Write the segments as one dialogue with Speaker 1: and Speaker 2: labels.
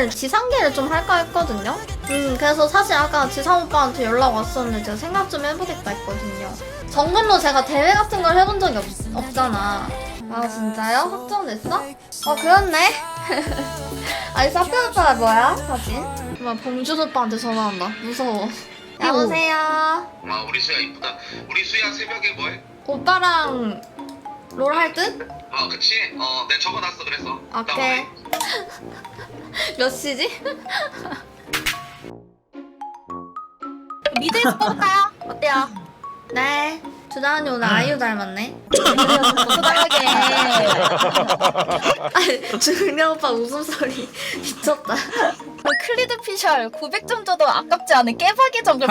Speaker 1: 오늘 지상계를 좀 할까 했거든요. 그래서 사실 아까 지상 오빠한테 연락 왔었는데 제가 생각 좀 해보겠다 했거든요. 정글로 제가 대회 같은 걸 해본 적이 없잖아. 아 진짜요? 확정됐어? 그렇네. 아니 사표 오빠가 뭐야? 사진? 막 봉준 오빠한테 전화 온다. 무서워. 여보세요.
Speaker 2: 우리 수야 이쁘다. 우리 수야 새벽에 뭐해?
Speaker 1: 오빠랑 롤 할 듯?
Speaker 2: 그치? 내가 적어놨어 그래서.
Speaker 1: 오케이. 몇 시지?
Speaker 3: 미드에서 뽑을까요? 어때요?
Speaker 1: 네. 주다은이 오늘 아이유 닮았네.
Speaker 3: 소소하게.
Speaker 1: 아니 중령 오빠 웃음소리 미쳤다.
Speaker 3: 클리드 피셜 900점 줘도 아깝지 않은 깨박이 정글.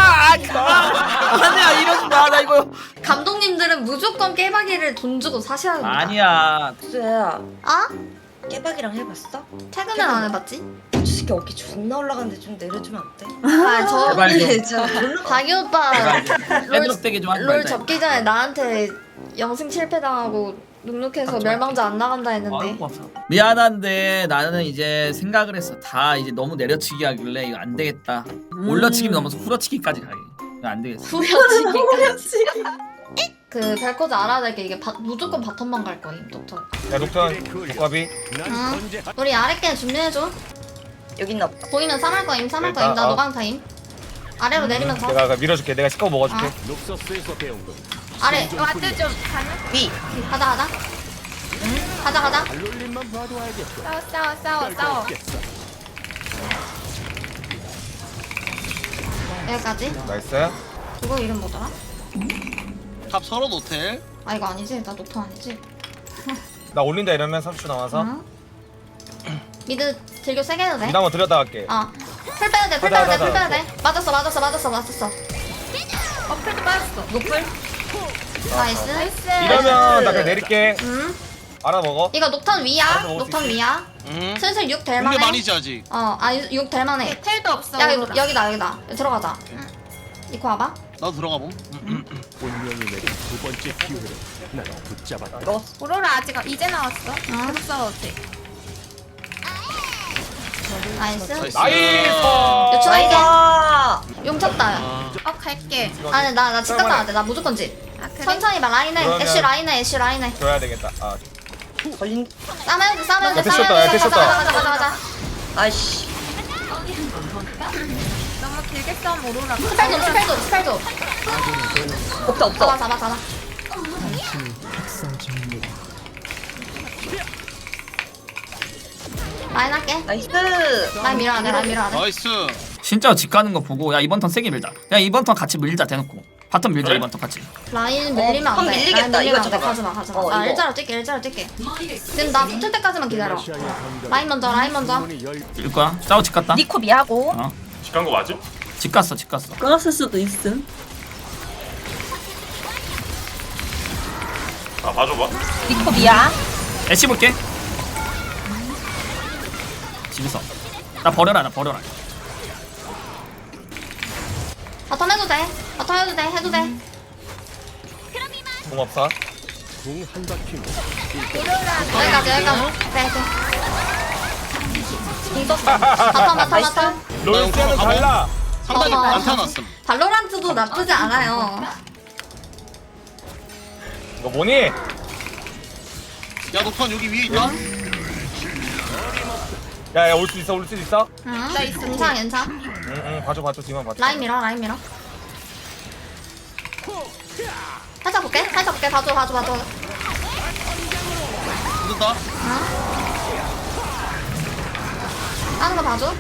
Speaker 4: 아니야 이러지 마. 나 이거
Speaker 1: 감독님들은 무조건 깨박이를 돈 주고 사셔야 합니다.
Speaker 4: 아니야.
Speaker 5: 수야
Speaker 1: 아?
Speaker 5: 깨박이랑 해봤어?
Speaker 1: 최근엔 안 해봤지?
Speaker 5: 저 새끼 어깨 존나 올라가는데 좀 내려주면 안 돼?
Speaker 1: 아,
Speaker 4: 제발 좀.
Speaker 1: 자기 오빠
Speaker 4: 애드롭되게 좀 하지
Speaker 1: 롤
Speaker 4: 말자.
Speaker 1: 접기 전에 나한테 영승 실패당하고 눅눅해서 멸망자 안 나간다 했는데
Speaker 4: 아이고, 미안한데 나는 이제 생각을 했어. 다 이제 너무 내려치기 하길래 이거 안 되겠다. 올려치기 넘어서 후려치기까지 가게. 이거 안 되겠어.
Speaker 1: 후려치기까지. 그 벨코즈 알아야 될 게 이게 무조건 바텀만 갈 거임 독터.
Speaker 6: 야 녹턴 독과비
Speaker 1: 응. 우리 아래 게 준비해줘.
Speaker 5: 여기 있나 보다.
Speaker 1: 보이면 쌈할 거임 쌈할
Speaker 6: 일단,
Speaker 1: 거임. 나 노강 타임. 아래로 내리면서
Speaker 6: 내가 밀어줄게. 내가 시커 먹어줄게.
Speaker 1: 아래
Speaker 3: 와드 좀 가능?
Speaker 5: 위!
Speaker 1: 가자. 가자.
Speaker 3: 싸워.
Speaker 1: 여기까지.
Speaker 6: 나이스.
Speaker 1: 그거 이름 뭐더라?
Speaker 7: 탑 서로 노텔.
Speaker 1: 아 이거 아니지? 나 녹턴 아니지?
Speaker 6: 나 올린다 이러면 30초 남아서
Speaker 1: 응? 미드 딜교 세게 해도 돼?
Speaker 6: 미드 한번 들였다 갈게.
Speaker 1: 풀 빼도 돼, 풀 빼도 돼,
Speaker 6: 하자.
Speaker 1: 풀 빼도 돼. 맞았어.
Speaker 3: 어플도 빠졌어.
Speaker 1: 노플. 나이스.
Speaker 6: 이러면 나 그냥 내릴게. 알아먹어.
Speaker 1: 이거 녹턴 위야.
Speaker 6: 알아서 먹을 수
Speaker 1: 녹턴
Speaker 6: 있지.
Speaker 1: 위야.
Speaker 7: 응.
Speaker 1: 슬슬 6
Speaker 7: 근데
Speaker 1: 될만해.
Speaker 7: 많이지 아직.
Speaker 1: 6 될만해.
Speaker 3: 텔도 없어.
Speaker 1: 야
Speaker 3: 오로라.
Speaker 1: 여기다. 들어가자. 이코 와봐.
Speaker 7: 나도 들어가 봄.
Speaker 3: 오로라 아직 이제 나왔어.
Speaker 1: 응.
Speaker 3: 계속 싸워도 돼.
Speaker 1: 나이스.
Speaker 7: 나이스.
Speaker 6: 나이스.
Speaker 1: 요청할게.
Speaker 5: 아!
Speaker 1: 용 쳤다.
Speaker 3: 갈게.
Speaker 1: 아니 나 집 갔다 와야 돼. 나 무조건 집.
Speaker 3: 아 그래?
Speaker 1: 천천히 봐. 라인해.
Speaker 6: 그러면-
Speaker 1: 애쉬 라인해.
Speaker 6: 줘야 되겠다.
Speaker 5: 걸린...
Speaker 1: 싸매야 돼.
Speaker 6: 야, 됐었다.
Speaker 1: 가자.
Speaker 5: 아이씨.
Speaker 3: 너무 길게 싸움 오로라.
Speaker 1: 스펠 좀.
Speaker 5: 없다.
Speaker 1: 잡아. 라인 할게.
Speaker 5: 나이스!
Speaker 1: 라인 밀어야 돼.
Speaker 7: 나이스.
Speaker 4: 진짜 집 가는 거 보고 야 이번 턴 세게 밀자. 야 이번 턴 같이 밀자 대놓고. 바텀 밀자
Speaker 6: 그래?
Speaker 4: 이번 턴 같이.
Speaker 1: 라인 밀리면 안
Speaker 5: 턴
Speaker 1: 돼.
Speaker 5: 밀리겠다.
Speaker 1: 라인 밀리면
Speaker 5: 이거
Speaker 1: 안 돼.
Speaker 5: 잠깐만.
Speaker 1: 가지마.
Speaker 5: 이거.
Speaker 1: 나 일자로 뛸게. 지금 나 붙을 때까지만 기다려. 라인 먼저.
Speaker 4: 일 거야. 싸워 집 갔다.
Speaker 3: 니코 미하고.
Speaker 6: 직간 거 맞음?
Speaker 4: 집 갔어.
Speaker 8: 끊었을 수도 있음.
Speaker 6: 봐줘봐.
Speaker 3: 니코 미야.
Speaker 4: 애쉬 볼게. 집에서. 나 버려라.
Speaker 1: 바텀 해도 돼.
Speaker 6: 공 없어.
Speaker 1: 여기까지. 네. 공 썼어. 바텀.
Speaker 6: 롤스는 달라.
Speaker 7: 상단이
Speaker 1: 어허.
Speaker 7: 안 타놨음.
Speaker 1: 발로란트도 나쁘지 않아요.
Speaker 6: 이거 뭐니?
Speaker 7: 야 녹턴 여기 위에 있다.
Speaker 6: 야 올 수 있어?
Speaker 1: 응. 괜찮아.
Speaker 6: 응 봐줘 뒤만 봐줘.
Speaker 1: 라인 밀어. 살짝 볼게. 봐줘.
Speaker 7: 늦었다.
Speaker 1: 하는 거 봐줘.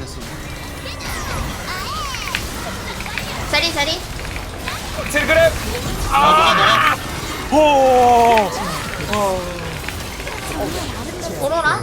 Speaker 1: 제리.
Speaker 6: 칠그램.
Speaker 7: 너가.
Speaker 6: 호.
Speaker 1: 오로라.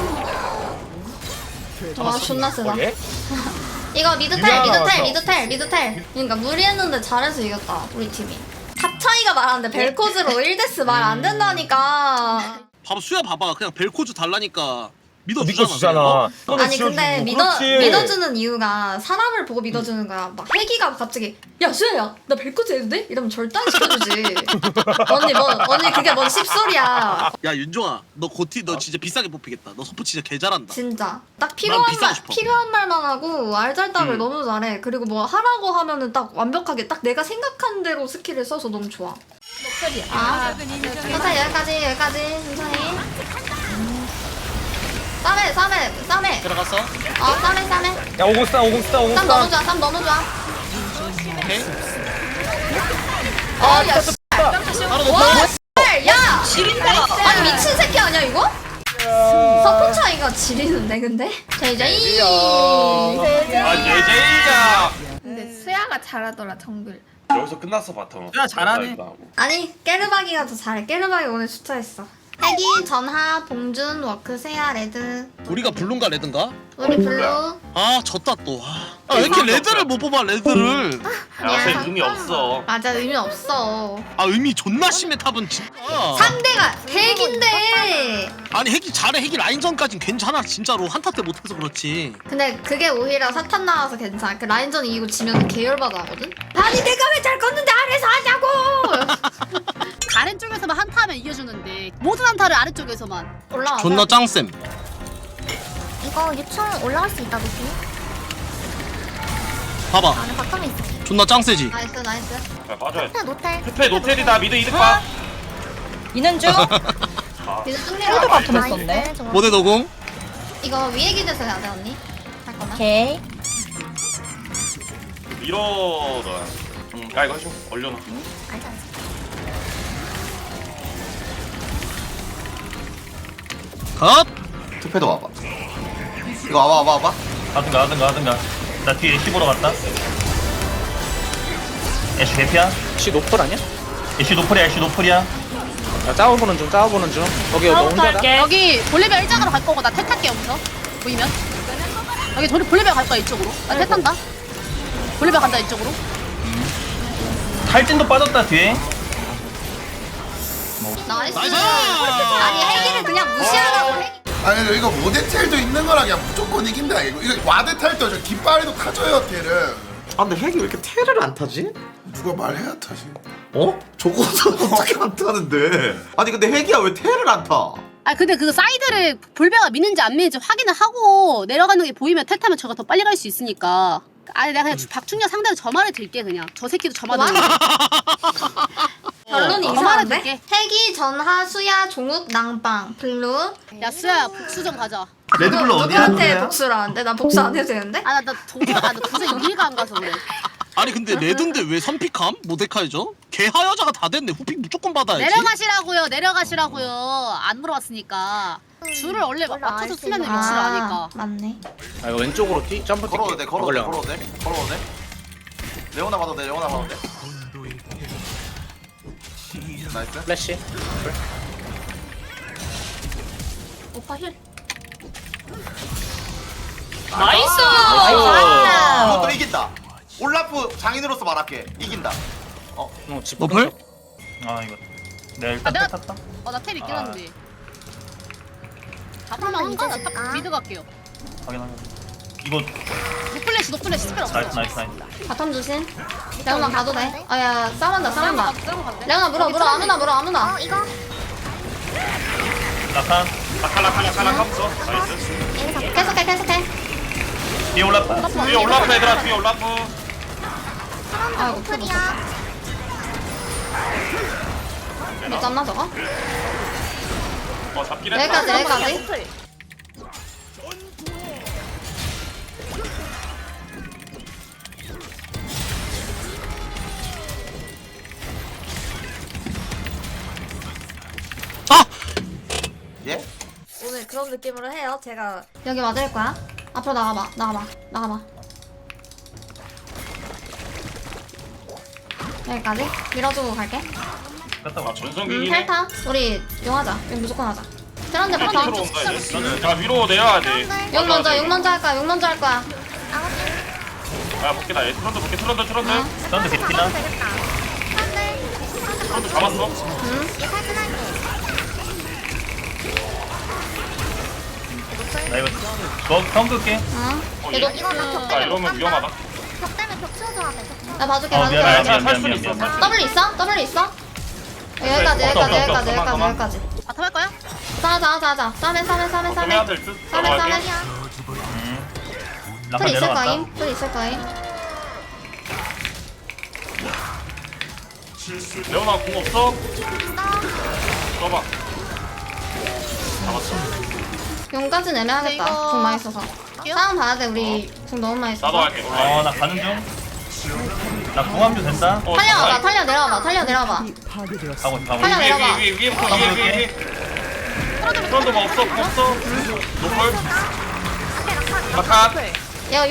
Speaker 1: 와 존나 세다.
Speaker 6: 예?
Speaker 1: 이거
Speaker 6: 유리하나
Speaker 1: 미드텔. 그러니까 무리했는데 잘해서 이겼다 우리 팀이. 탑 차이가 말하는데 벨코즈로 1데스 말 안 된다니까.
Speaker 7: 수야 봐봐. 그냥 벨코즈 달라니까.
Speaker 6: 믿어주잖아.
Speaker 1: 아니 근데 믿어주는 이유가 사람을 보고 믿어주는 거야. 막 혜기가 갑자기 야 수야야 나 벨코즈 해도 돼? 이러면 절대 안 시켜주지. 언니 그게 뭔 씹소리야.
Speaker 7: 야 윤종아 너 고티 너 진짜 비싸게 뽑히겠다. 너 서포 진짜 개 잘한다.
Speaker 1: 진짜 딱
Speaker 7: 비싸고 싶어.
Speaker 1: 필요한 말만 하고 알잘딱을 너무 잘해. 그리고 뭐 하라고 하면은 딱 완벽하게 딱 내가 생각한 대로 스킬을 써서 너무 좋아. 아, 일단 여기까지 천천히. 쌈에.
Speaker 7: 들어갔어?
Speaker 1: 쌈에.
Speaker 6: 야 오고 스타.
Speaker 1: 쌈 너무 좋아.
Speaker 7: 오케이.
Speaker 1: 야,
Speaker 7: 바로
Speaker 1: 와,
Speaker 7: 높아.
Speaker 1: 야!
Speaker 5: 지린다.
Speaker 1: 아니 미친 새끼 아니야 이거? 서포 차이가 지리는데 근데? 제이제이.
Speaker 6: 제이제이자.
Speaker 1: 근데 수야가 잘하더라 정글.
Speaker 6: 여기서 끝났어 바텀.
Speaker 4: 야, 잘하네.
Speaker 1: 아니 깨르박이가 더 잘해. 깨르박이 오늘 숫자했어. 혜기, 전하, 봉준, 워크, 세야, 레드.
Speaker 7: 우리가 블루인가 레드인가?
Speaker 1: 우리 블루.
Speaker 7: 아 졌다 또. 아 왜 이렇게 레드를 못 뽑아 레드를?
Speaker 1: 야,
Speaker 6: 의미 없어.
Speaker 1: 맞아 의미 없어.
Speaker 7: 아 의미 존나 심해 탑은 진짜.
Speaker 1: 상대가 혜기인데.
Speaker 7: 아니 핵이 잘해. 핵이 라인전까진 괜찮아 진짜로. 한타 때 못해서 그렇지.
Speaker 1: 근데 그게 오히려 사탄 나와서 괜찮아. 그 라인전 이기고 지면 계열받아 하거든? 아니 내가 왜 잘 껐는데 아래서 하냐고!
Speaker 9: 다른 쪽에서만 한타 하면 이겨주는데 모든 한타를 아래쪽에서만.
Speaker 1: 올라와.
Speaker 7: 존나 짱쌤.
Speaker 10: 이거 유충 올라갈 수 있다 높이.
Speaker 7: 봐봐.
Speaker 10: 안에 바텀에 있어.
Speaker 7: 존나 짱세지.
Speaker 1: 나이스.
Speaker 6: 야 빠져야 돼.
Speaker 10: 노텔.
Speaker 6: 투페 노텔이다 미드 이득 봐.
Speaker 5: 이는 중.
Speaker 1: 이제
Speaker 5: 힐도
Speaker 1: 뚫리러
Speaker 5: 바텀에 썼네.
Speaker 7: 모대 노공.
Speaker 1: 이거 위에 기대서 해야 돼 언니? 할 거면?
Speaker 5: 오케이.
Speaker 6: 밀어 너. 야 이거 좀 올려놔.
Speaker 10: 알지.
Speaker 7: 컷.
Speaker 2: 투패도 와봐. 이거 와봐.
Speaker 6: 하든가. 나 뒤에 애쉬 보러 갔다. 애쉬 개피야?
Speaker 11: 씨 노플 아니야?
Speaker 6: 애쉬 노플이야.
Speaker 11: 야 짜워보는 중 여기 너 혼자다?
Speaker 9: 여기 볼리베어 일장으로 갈 거고 나 탈게 여기서 보이면. 여기 저리 볼리베어 갈 거야 이쪽으로. 나 탈탄다. 볼리베어 간다 이쪽으로.
Speaker 6: 탈진도 빠졌다 뒤에.
Speaker 1: 나이스.
Speaker 7: 나이스!
Speaker 1: 아니 혜기를 그냥 무시하라고 혜기.
Speaker 12: 아니 근데 이거 모데텔도 있는 거라 그냥 무조건 이긴다 이거. 이거 와드탈도 저 깃발에도 타줘요 텔을.
Speaker 2: 아 근데 핵이 왜 이렇게 테를 안 타지?
Speaker 12: 누가 말해야 타지.
Speaker 2: 어? 저거서 어떻게 안 타는데? 아니 근데 핵이야 왜 테를 안 타?
Speaker 9: 아 근데 그 사이드를 볼베가 미는지 안 미는지 확인을 하고 내려가는 게 보이면 탈 타면 저가 더 빨리 갈 수 있으니까. 아니 내가 그냥 박충렬 상대로 저 말을 들게 그냥. 저 새끼도 저 말을 들게.
Speaker 1: 결론이
Speaker 9: 저 말을
Speaker 1: 이상한데?
Speaker 9: 들게.
Speaker 1: 혜기, 전하, 수야, 종욱, 낭빵, 블루.
Speaker 9: 야 수야 복수 좀 가자.
Speaker 2: 레드불로 어디야?
Speaker 1: 누구한테 복수라는데? 나 복수 안 해도 되는데?
Speaker 9: 나 도저히 이해가 안 가서 그래.
Speaker 7: 아니 근데 레드인데 왜 선픽함? 모데카이죠? 개하여자가 다 됐네. 후픽 무조건 받아야지.
Speaker 9: 내려가시라고요. 안 물어봤으니까. 줄을 원래 맞춰서 쓰면 위치를 아니까.
Speaker 1: 맞네.
Speaker 11: 아 이거 왼쪽으로 점프
Speaker 2: 걸어도 돼.
Speaker 11: 걸려.
Speaker 2: 레오나 봐도 돼. 나이스.
Speaker 11: 플래시
Speaker 1: 오빠 힐.
Speaker 5: 나이스.
Speaker 2: 이것도 이긴다. 올라프 장인으로서 말할게. 이긴다.
Speaker 11: 집
Speaker 7: 노플?
Speaker 6: 아 이거. 내가 일단
Speaker 9: 내가-
Speaker 6: 탔다.
Speaker 9: 나텔 있긴
Speaker 6: 아.
Speaker 9: 한데. 잡으면 한가? 나 탑 미드 갈게요.
Speaker 6: 확인하자. 이거
Speaker 9: 노플래시 스펠 없어.
Speaker 6: 나이스.
Speaker 1: 바텀 조심. 레오나 가도 돼. 아야 싸운다.
Speaker 9: 싸우고 간대.
Speaker 1: 레오나 물어 아무나.
Speaker 10: 이거
Speaker 6: 라칸 없어. 나이스.
Speaker 1: 계속해.
Speaker 6: 뒤에 올라프 얘들아 뒤에 올라프.
Speaker 1: 아 오플이야. 못 잡나 저거?
Speaker 6: 잡긴
Speaker 1: 여기까지.
Speaker 7: 아!
Speaker 2: 예?
Speaker 1: 오늘 그런 느낌으로 해요. 제가 여기 맞을 거야. 앞으로 나가봐. 여기까지 밀어주고 갈게.
Speaker 6: 전성기.
Speaker 1: 텔타. 우리 용하자. 여기 무조건 하자. 트런드 부터.
Speaker 6: 자 위로 내려야 돼.
Speaker 1: 용 먼저 할 거야.
Speaker 6: 야 볼게 나 트런드 볼게. 트런드
Speaker 10: 트런드
Speaker 6: 개피나.
Speaker 10: 되겠다.
Speaker 6: 트런드 잡았어.
Speaker 10: 얘 탈진할게. 노플.
Speaker 6: 이거 처음 끌게.
Speaker 1: 응.
Speaker 10: 이거 나벽 때문에
Speaker 6: 이러면 위험하다.
Speaker 10: 벽 때문에 벽 치워줘야 돼.
Speaker 1: 나 봐줄게
Speaker 6: 미안.
Speaker 1: W 있어? W 있어? 여기까지
Speaker 9: 바텀 할 거야?
Speaker 1: 자자자자 싸매 풀 있을 거임
Speaker 6: 레오나 공 없어? 써봐. 잡았어.
Speaker 1: 용까지 내려야겠다
Speaker 9: 이거-
Speaker 1: 궁 많이 써서 싸움 봐야 돼 우리 궁 너무 많이
Speaker 6: 나도
Speaker 1: 써서
Speaker 6: 할게. 나 가는 중. 나 궁합류 된다.
Speaker 1: 탈려 내려와봐
Speaker 6: 가고
Speaker 1: 탈려 내려봐
Speaker 6: 위에부터 위에. 프론트 뭐 없어? 노플. 마카.
Speaker 1: 야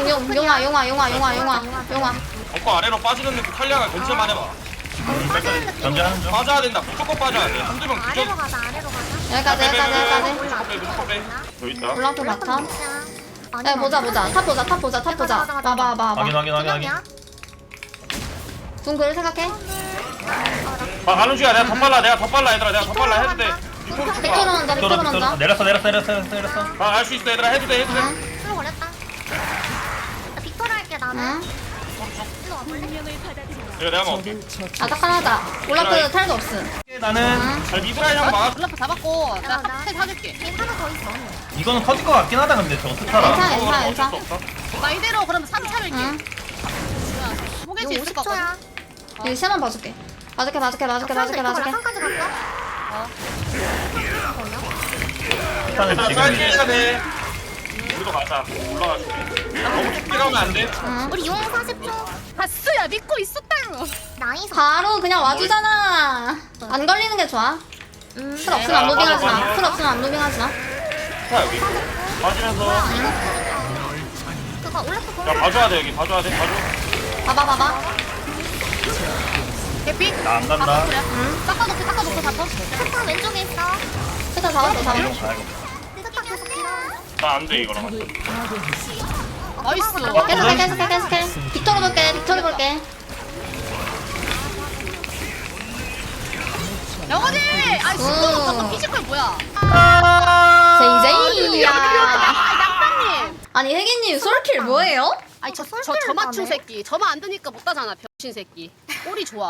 Speaker 1: 용아
Speaker 6: 엎고 아래로 빠지는 느낌 탈리아가 견제만 해봐. 견제하는 중. 빠져야 된다. 무조건 빠져야 돼. 한두 명
Speaker 10: 아래로
Speaker 6: 무조건.
Speaker 10: 가자. 아래로 가자.
Speaker 1: 여기까지
Speaker 6: 무조건 빼. 저 있다.
Speaker 1: 블락도 바텀 야 보자 탑 보자 봐봐
Speaker 6: 확인.
Speaker 1: 궁 그를 생각해
Speaker 6: 가는 중이야. 내가 더 빨라 얘들아. 내가 더 빨라 해도 돼.
Speaker 1: 빅토르 먼저
Speaker 6: 내렸어. 알 수 있어 얘들아. 해도 돼.
Speaker 10: 풀 걸렸다. 나 빅토르 할게 나는.
Speaker 1: 응
Speaker 10: 일로 와볼래?
Speaker 6: 이거 내가 먹을게.
Speaker 1: 아삭하다 올라프 탈도 없음
Speaker 6: 나는 잘 미드라인 한번 막아.
Speaker 9: 블러프 잡았고 내가
Speaker 10: 나-
Speaker 9: 탑 사줄게.
Speaker 10: 얘 하나 더 있어.
Speaker 6: 이거는 터질 것 같긴 하다. 근데 저
Speaker 1: 괜찮아
Speaker 6: 어쩔 수 없어.
Speaker 9: 나 이대로 그러면 3차 밀게.
Speaker 1: 응
Speaker 9: 포기할
Speaker 10: 이거
Speaker 9: 수 있을 것 같거든.
Speaker 10: 50초야.
Speaker 1: 여기 시야만 봐줄게 봐줄게
Speaker 10: 상까지 갈까?
Speaker 6: 일단 쌀기해야 돼. 우리도 가자. 올라가줄게. 너무 깊게 가면 안 돼.
Speaker 1: 응
Speaker 10: 우리 용 40초.
Speaker 9: 바스야 믿고 있었다고.
Speaker 10: 나이스.
Speaker 1: 바로 그냥 와주잖아 안 걸리는 게 좋아 풀 없으면 안 무빙하지 마
Speaker 6: 자 여기. 빠지면서.
Speaker 10: 그거 올라프
Speaker 6: 야 봐줘야 돼 여기. 봐줘.
Speaker 1: 봐봐
Speaker 9: 개피?
Speaker 6: 나 안 간다.
Speaker 9: 닦아놓고 바텀.
Speaker 10: 스타 왼쪽에 있어.
Speaker 1: 스타 잡았어
Speaker 10: 스타 계속 길어.
Speaker 6: 나 안 돼 이거랑.
Speaker 9: 나이스.
Speaker 1: 계속해 빅토르 볼게
Speaker 9: 영원히! 아이 신동은 피지컬 뭐야?
Speaker 1: 제이제이야
Speaker 9: 양파님!
Speaker 1: 아니 혜기님 솔킬 뭐예요?
Speaker 9: 아니 저 맞춘 새끼. 저만 안 드니까 못 따잖아 병신 새끼. 꼴이 좋아.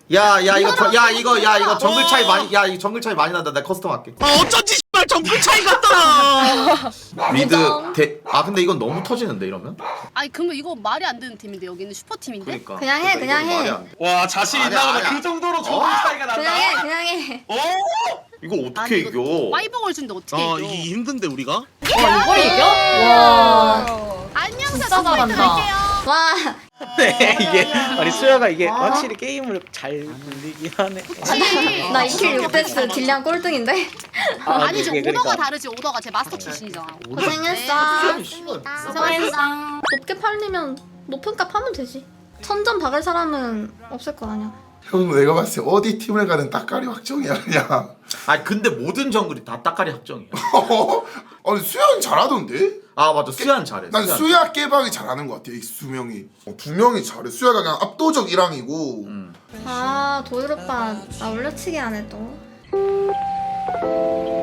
Speaker 2: 이거 정글 차이 많이 이거 정글 차이 많이 난다. 내가 커스텀 할게.
Speaker 7: 어쩐지 씨발 정글 차이 같더라.
Speaker 2: 미드 근데 이건 너무 터지는데 이러면?
Speaker 9: 아니 그러면 이거 말이 안 되는 팀인데 여기는 슈퍼팀인데?
Speaker 2: 그러니까.
Speaker 1: 그냥 해.
Speaker 2: 말이 안 돼.
Speaker 7: 와 자신
Speaker 2: 아니야,
Speaker 7: 있나 보다.
Speaker 2: 아니야.
Speaker 7: 그 정도로 정글 차이가 난다.
Speaker 1: 그냥 해
Speaker 2: 이거 어떻게
Speaker 9: 아니,
Speaker 2: 이겨?
Speaker 9: 와이복을 준데 어떻게
Speaker 7: 아
Speaker 9: 이겨?
Speaker 7: 이게 힘든데 우리가?
Speaker 1: 이걸 이겨? 와
Speaker 9: 안녕사
Speaker 1: 진짜
Speaker 9: 저 포인트
Speaker 1: 잘한다.
Speaker 9: 갈게요.
Speaker 1: 와
Speaker 11: 네 이게 아니 수야가 이게 확실히 게임을 잘 굴리긴 하네.
Speaker 1: 나 2킬 6데스 딜량 꼴등인데?
Speaker 9: 아니 지금
Speaker 11: 그게
Speaker 9: 오더가
Speaker 11: 그러니까.
Speaker 9: 다르지 오더가 제 마스터 출신이잖아.
Speaker 1: 고생했어 고생했어 높게 팔리면 높은 값 하면 되지 천점 박을 사람은 없을 거 아니야
Speaker 12: 형 내가 봤을 때 어디 팀을 가든 따까리 확정이야 그냥.
Speaker 2: 근데 모든 정글이 다 따까리 합정이야.
Speaker 12: 아니 수야는 잘하던데?
Speaker 2: 맞아. 수야는 잘해.
Speaker 12: 난
Speaker 2: 수야는
Speaker 12: 수야 깨박이 잘하는 것 같아 이 두 명이. 두 명이 잘해. 수야가 그냥 압도적 1항이고
Speaker 1: 아 도일 오빠 나 올려치기 안 해 또